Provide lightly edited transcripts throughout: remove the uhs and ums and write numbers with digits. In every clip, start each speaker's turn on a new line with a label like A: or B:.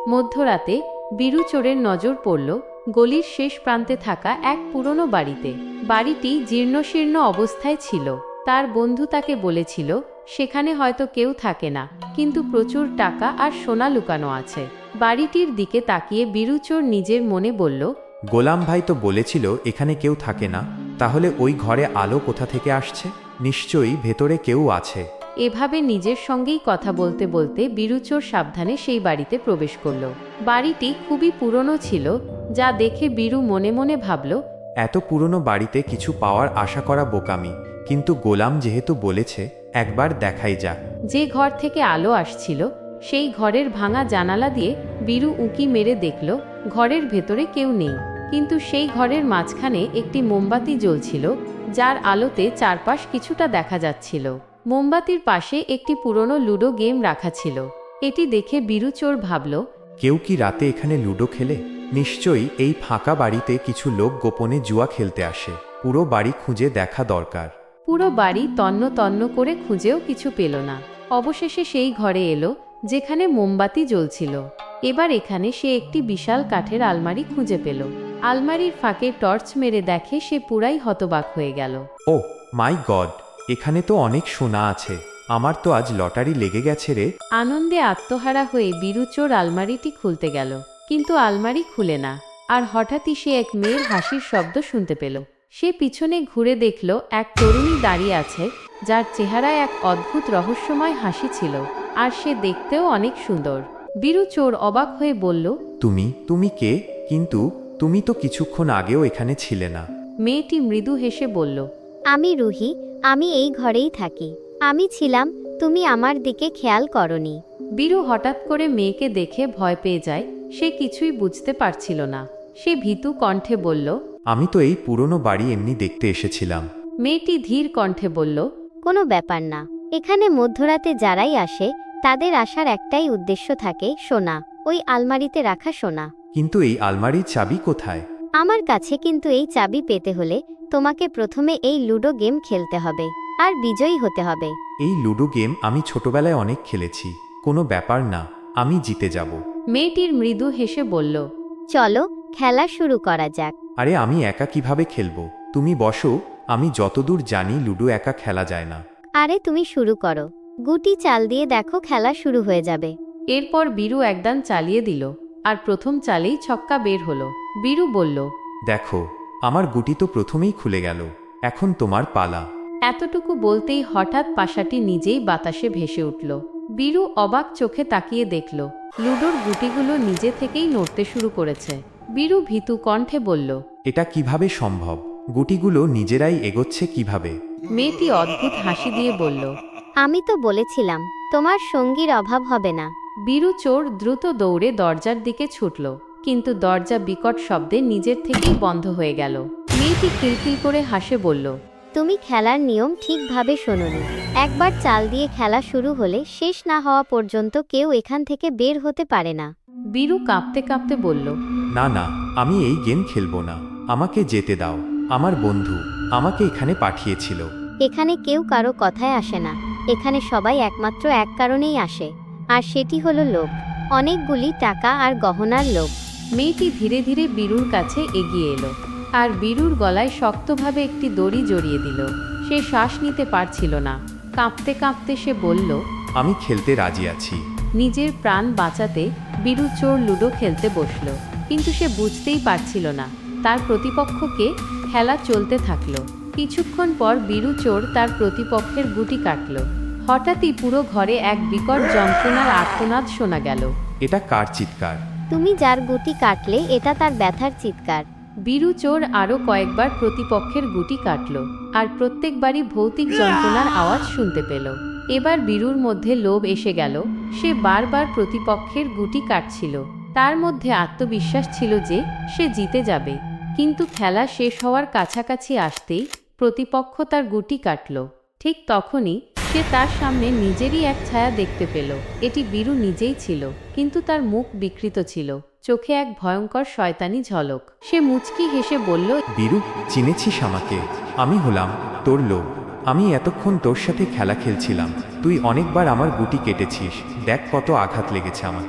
A: মধ্যরাতে বীরু চোরের নজর পড়ল গলির শেষ প্রান্তে থাকা এক পুরনো বাড়িতে। বাড়িটি জীর্ণশীর্ণ অবস্থায় ছিল। তার বন্ধু তাকে বলেছিল সেখানে হয়তো কেউ থাকে না, কিন্তু প্রচুর টাকা আর সোনা লুকানো আছে। বাড়িটির দিকে তাকিয়ে বীরু চোর নিজের মনে বলল,
B: গোলাম ভাই তো বলেছিল এখানে কেউ থাকে না, তাহলে ওই ঘরে আলো কোথা থেকে আসছে? নিশ্চয়ই ভেতরে কেউ আছে।
A: এভাবে নিজের সঙ্গেই কথা বলতে বলতে বীরু চোর সাবধানে সেই বাড়িতে প্রবেশ করল। বাড়িটি খুবই পুরনো ছিল, যা দেখে বীরু মনে মনে ভাবল,
B: এত পুরনো বাড়িতে কিছু পাওয়ার আশা করা বোকামি, কিন্তু গোলাম যেহেতু বলেছে একবার দেখাই যাক।
A: যে ঘর থেকে আলো আসছিল সেই ঘরের ভাঙা জানালা দিয়ে বীরু উঁকি মেরে দেখল ঘরের ভেতরে কেউ নেই, কিন্তু সেই ঘরের মাঝখানে একটি মোমবাতি জ্বলছিল, যার আলোতে চারপাশ কিছুটা দেখা যাচ্ছিল। মোমবাতির পাশে একটি পুরনো লুডো গেম রাখা ছিল। এটি দেখে বীরু চোর ভাবল,
B: কেউ কি রাতে এখানে লুডো খেলে? নিশ্চয়ই এই ফাঁকা বাড়িতে কিছু লোক গোপনে জুয়া খেলতে আসে। পুরো বাড়ি খুঁজে দেখা দরকার।
A: পুরো বাড়ি তন্ন তন্ন করে খুঁজেও কিছু পেল না। অবশেষে সেই ঘরে এলো যেখানে মোমবাতি জ্বলছিল। এবার এখানে সে একটি বিশাল কাঠের আলমারি খুঁজে পেল। আলমারির ফাঁকে টর্চ মেরে দেখে সে পুরাই হতবাক হয়ে গেল।
B: ও মাই গড, এখানে তো অনেক সোনা আছে। আমার তো আজ লটারি লেগে গেছে রে।
A: আনন্দে আত্মহারা হয়ে বীরু চোর আলমারিটি খুলতে গেল, কিন্তু আলমারি খুলে না। আর হঠাৎই সে এক মেয়ের হাসির শব্দ শুনতে পেল। সে পিছনে ঘুরে দেখল এক তরুণী দাঁড়িয়ে আছে, যার চেহারায় এক অদ্ভুত রহস্যময় হাসি ছিল, আর সে দেখতেও অনেক সুন্দর। বীরু চোর অবাক হয়ে বলল,
B: তুমি কে? কিন্তু তুমি তো কিছুক্ষণ আগেও এখানে ছিলে না।
A: মেয়েটি মৃদু হেসে বলল,
C: আমি রুহি, আমি এই ঘরেই থাকি। আমি ছিলাম, তুমি আমার দিকে খেয়াল করনি।
A: বীরু হঠাৎ করে মেয়েকে দেখে ভয় পেয়ে যায়। সে কিছুই বুঝতে পারছিল না। সে ভীতু কণ্ঠে বলল,
B: আমি তো এই পুরনো বাড়ি এমনি দেখতে এসেছিলাম।
A: মেয়েটি ধীর কণ্ঠে বলল,
C: কোনো ব্যাপার না। এখানে মধ্যরাতে যারাই আসে তাদের আসার একটাই উদ্দেশ্য থাকে, সোনা। ওই আলমারিতে রাখা সোনা।
B: কিন্তু এই আলমারির চাবি কোথায়?
C: আমার কাছে, কিন্তু এই চাবি পেতে হলে তোমাকে প্রথমে এই লুডো গেম খেলতে হবে আর বিজয়ী হতে হবে।
B: এই লুডো গেম আমি ছোটবেলায় অনেক খেলেছি। কোনো ব্যাপার না, আমি জিতে যাব।
A: মেয়েটির মৃদু হেসে বলল,
C: চলো খেলা শুরু করা যাক।
B: আরে আমি একা কিভাবে খেলবো? তুমি বসো, আমি যতদূর জানি লুডো একা খেলা যায় না।
C: আরে তুমি শুরু করো। গুটি চাল দিয়ে দেখো, খেলা শুরু হয়ে যাবে।
A: এরপর বীরু একদান চালিয়ে দিল, আর প্রথম চালেই ছক্কা বের হলো। বীরু বলল,
B: দেখো, আমার গুটি তো প্রথমেই খুলে গেল। এখন তোমার পালা।
A: এতটুকু বলতেই হঠাৎ পাশাটি নিজেই বাতাসে ভেসে উঠল। বীরু অবাক চোখে তাকিয়ে দেখল লুডোর গুটিগুলো নিজে থেকেই নড়তে শুরু করেছে। বীরু ভীতু কণ্ঠে বলল,
B: এটা কিভাবে সম্ভব? গুটিগুলো নিজেরাই এগোচ্ছে কিভাবে?
A: মেয়েটি অদ্ভুত হাসি দিয়ে বলল,
C: আমি তো বলেছিলাম তোমার সঙ্গীর অভাব হবে না।
A: বীরু চোর দ্রুত দৌড়ে দরজার দিকে ছুটল, কিন্তু দরজা বিকট শব্দে নিজের থেকেই বন্ধ হয়ে গেল। মেয়েটি কিলকিল করে হাসে বলল,
C: তুমি খেলার নিয়ম ঠিকভাবে শোনোনি। একবার চাল দিয়ে খেলা শুরু হলে শেষ না হওয়া পর্যন্ত কেউ এখান থেকে বের হতে পারে না।
A: বীরু কাঁপতে কাঁপতে বলল,
B: না না, আমি এই গেম খেলবো না। আমাকে যেতে দাও। আমার বন্ধু আমাকে এখানে পাঠিয়েছিল।
C: এখানে কেউ কারো কথায় আসে না। এখানে সবাই একমাত্র এক কারণেই আসে, আর সেটি হলো লোভ। অনেকগুলি টাকা আর গহনার লোভ।
A: মেয়েটি ধীরে ধীরে বীরুর কাছে এগিয়ে এলো, আর বীরুর গলায় শক্তভাবে একটি দড়ি জড়িয়ে দিল। সে শ্বাস নিতে পারছিল না। কাঁপতে কাঁপতে সে বলল,
B: আমি খেলতে রাজি আছি।
A: নিজের প্রাণ বাঁচাতে বীরু চোর লুডো খেলতে বসল, কিন্তু সে বুঝতেই পারছিল না তার প্রতিপক্ষকে। খেলা চলতে থাকলো। কিছুক্ষণ পর বীরু চোর তার প্রতিপক্ষের গুটি কাটল। হঠাৎই পুরো ঘরে এক বিকট যন্ত্রণার আর্তনাদ শোনা গেল।
B: এটা কার চিৎকার?
C: তুমি যার গুটি কাটলে এটা তার ব্যথার চিৎকার।
A: বীরু চোর আরও কয়েকবার প্রতিপক্ষের গুটি কাটল, আর প্রত্যেকবারই ভৌতিক যন্ত্রণার আওয়াজ শুনতে পেল। এবার বীরুর মধ্যে লোভ এসে গেল। সে বারবার প্রতিপক্ষের গুটি কাটছিল। তার মধ্যে আত্মবিশ্বাস ছিল যে সে জিতে যাবে। কিন্তু খেলা শেষ হওয়ার কাছাকাছি আসতেই প্রতিপক্ষ তার গুটি কাটল। ঠিক তখনই সে তার সামনে নিজেরই এক ছায়া দেখতে পেল। এটি বীরু নিজেই ছিল, কিন্তু তার মুখ বিকৃত ছিল, চোখে এক ভয়ঙ্কর শয়তানি ঝলক। সে মুচকি হেসে বলল,
B: বীরু, চিনেছিস আমাকে? আমি হলাম তোর লোভ। আমি এতক্ষণ তোর সাথে খেলা খেলছিলাম। তুই অনেকবার আমার গুটি কেটেছিস। দেখ কত আঘাত লেগেছে আমাকে।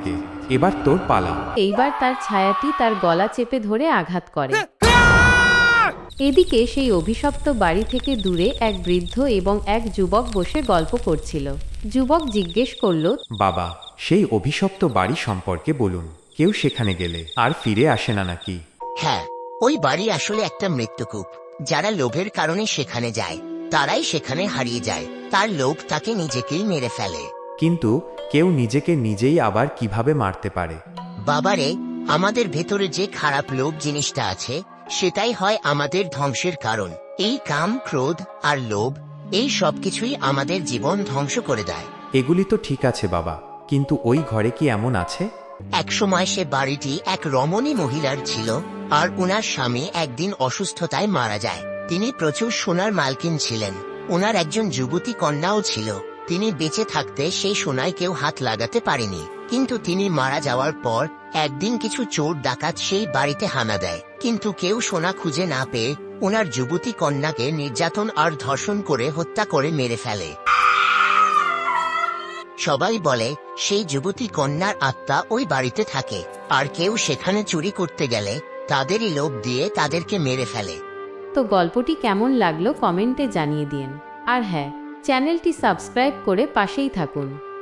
B: এবার তোর পালা।
A: এইবার তার ছায়াটি তার গলা চেপে ধরে আঘাত করে। এদিকে সেই অভিশপ্ত বাড়ি থেকে দূরে এক বৃদ্ধ এবং এক যুবক বসে গল্প করছিল। যুবক জিজ্ঞেস করল,
B: বাবা, সেই অভিশপ্ত বাড়ি সম্পর্কে বলুন। কেউ সেখানে গেলে আর ফিরে আসে না নাকি?
D: হ্যাঁ, ওই বাড়ি আসলে একটা মৃত্যুকূপ। যারা লোভের কারণে সেখানে যায় তারাই সেখানে হারিয়ে যায়। তার লোভ তাকে নিজেকেই মেরে ফেলে।
B: কিন্তু কেউ নিজেকে নিজেই আবার কিভাবে মারতে পারে?
D: বাবারে, আমাদের ভেতরে যে খারাপ লোভ জিনিসটা আছে সেটাই হয় আমাদের ধ্বংসের কারণ। এই কাম, ক্রোধ আর লোভ, এই সব কিছুই আমাদের জীবন ধ্বংস করে দেয়।
B: এগুলি তো ঠিক আছে বাবা, কিন্তু ওই ঘরে কি এমন আছে?
D: একসময় সে বাড়িটি এক রমণী মহিলার ছিল, আর উনার স্বামী একদিন অসুস্থতায় মারা যায়। তিনি প্রচুর সোনার মালকিন ছিলেন। ওনার একজন যুবতী কন্যাও ছিল। তিনি বেঁচে থাকতে সেই সোনায় কেউ হাত লাগাতে পারেনি। কিন্তু তিনি মারা যাওয়ার পর একদিন কিছু চোর ডাকাত সেই বাড়িতে হানা দেয়। কিন্তু কেউ সোনা খুঁজে না পেয়ে ওনার যুবতী কন্যাকে নির্যাতন আর ধর্ষণ করে হত্যা করে মেরে ফেলে। সবাই বলে সেই যুবতী কন্যার আত্মা ওই বাড়িতে থাকে, আর কেউ সেখানে চুরি করতে গেলে তাদেরই লোভ দিয়ে তাদেরকে মেরে ফেলে।
A: তো গল্পটি কেমন লাগলো কমেন্টে জানিয়ে দিন। আর হ্যাঁ, চ্যানেলটি সাবস্ক্রাইব করে পাশেই থাকুন।